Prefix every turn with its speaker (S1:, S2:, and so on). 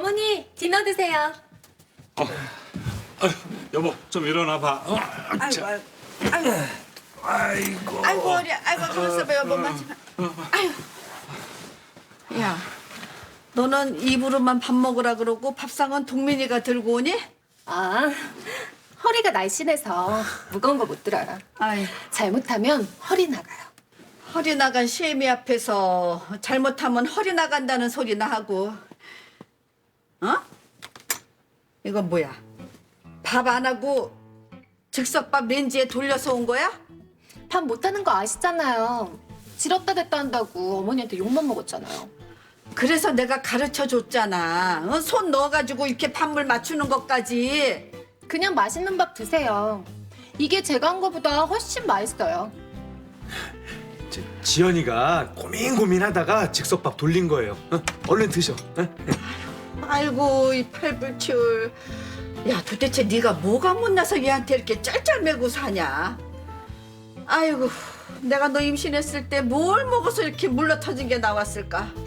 S1: 어머니, 디너 드세요.
S2: 여보 좀 일어나 봐.
S3: 아이고, 아이고,
S2: 아이고.
S3: 아이고, 허리, 아이고, 가만있어 봐, 여보만. 아이고. 야, 너는 입으로만 밥 먹으라 그러고 밥상은 동민이가 들고 오니?
S1: 아, 허리가 날씬해서 무거운 거 못 들어요.
S3: 아이,
S1: 잘못하면 허리 나가요.
S3: 허리 나간 시애미 앞에서 잘못하면 허리 나간다는 소리나 하고. 어? 이건 뭐야? 밥 안 하고 즉석밥 렌지에 돌려서 온 거야?
S1: 밥 못하는 거 아시잖아요. 지렸다 됐다 한다고 어머니한테 욕만 먹었잖아요.
S3: 그래서 내가 가르쳐 줬잖아. 어? 손 넣어가지고 이렇게 밥물 맞추는 것까지.
S1: 그냥 맛있는 밥 드세요. 이게 제가 한 거보다 훨씬 맛있어요.
S4: 지연이가 고민하다가 즉석밥 돌린 거예요. 얼른 드셔.
S3: 아이고 이 팔불출. 야 도대체 네가 뭐가 못나서 얘한테 이렇게 짤짤매고 사냐? 아이고 내가 너 임신했을 때 뭘 먹어서 이렇게 물러터진 게 나왔을까?